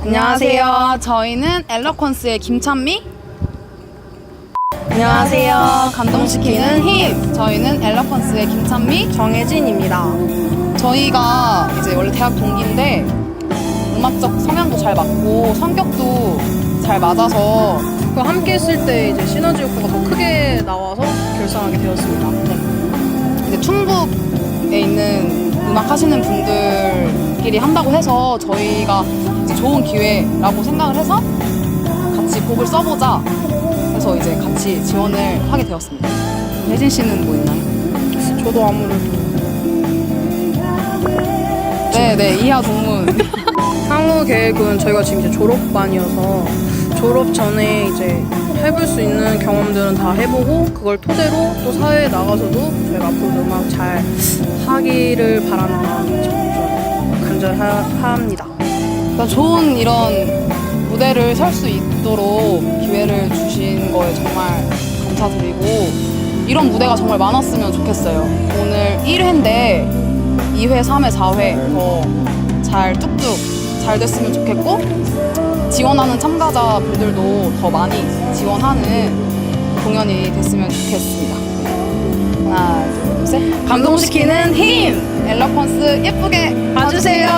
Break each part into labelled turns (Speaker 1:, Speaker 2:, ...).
Speaker 1: 안녕하세요. 저희는 엘러퀀스의 김찬미. 안녕하세요. 감동시키는 힘. 저희는 엘러퀀스의 김찬미,
Speaker 2: 정혜진입니다.
Speaker 1: 저희가 이제 원래 대학 동기인데 음악적 성향도 잘 맞고 성격도 잘 맞아서
Speaker 2: 그 함께 했을 때 이제 시너지 효과가 더 크게 나와서 결성하게 되었습니다.
Speaker 1: 이제 충북에 있는 음악 하시는 분들끼리 한다고 해서 저희가 이제 좋은 기회라고 생각을 해서 같이 곡을 써보자 해서 이제 같이 지원을 하게 되었습니다. 혜진 씨는 뭐 있나요?
Speaker 2: 저도 아무래도
Speaker 1: 네, 이하 동문.
Speaker 2: 향후 계획은 저희가 지금 이제 졸업반이어서 졸업 전에 이제 해볼 수 있는 경험들은 다 해보고 그걸 토대로 또 사회에 나가서도 저희가 앞으로 음악 잘 하기를 바라는 마음이 좀 간절합니다.
Speaker 1: 그러니까 좋은 이런 무대를 설 수 있도록 기회를 주신 거에 정말 감사드리고 이런 무대가 정말 많았으면 좋겠어요. 오늘 1회인데 2회, 3회, 4회 더 잘 뚝뚝 잘 됐으면 좋겠고 지원하는 참가자분들도 더 많이 지원하는 공연이 됐으면 좋겠습니다. 하나, 둘, 셋. 감동시키는 힘! 엘러퀀스 예쁘게 봐주세요.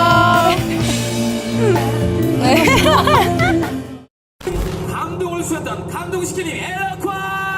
Speaker 1: 네.
Speaker 3: 감동을 주셨던 감동시키는 에어컨.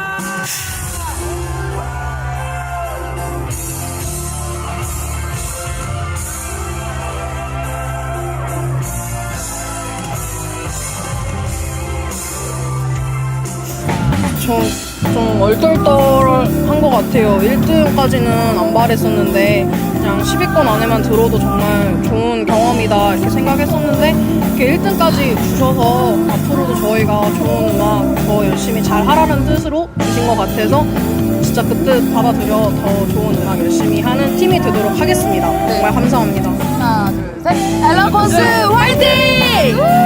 Speaker 2: 좀 얼떨떨한 것 같아요. 1등까지는 안 바랬었는데 그냥 10위권 안에만 들어도 정말 좋은 경험이다 이렇게 생각했었는데 이렇게 1등까지 주셔서 앞으로도 저희가 좋은 음악 더 열심히 잘 하라는 뜻으로 주신 것 같아서 진짜 그 뜻 받아들여 더 좋은 음악 열심히 하는 팀이 되도록 하겠습니다. 정말 감사합니다.
Speaker 1: 하나, 둘, 셋. 엘러퀀스 화이팅!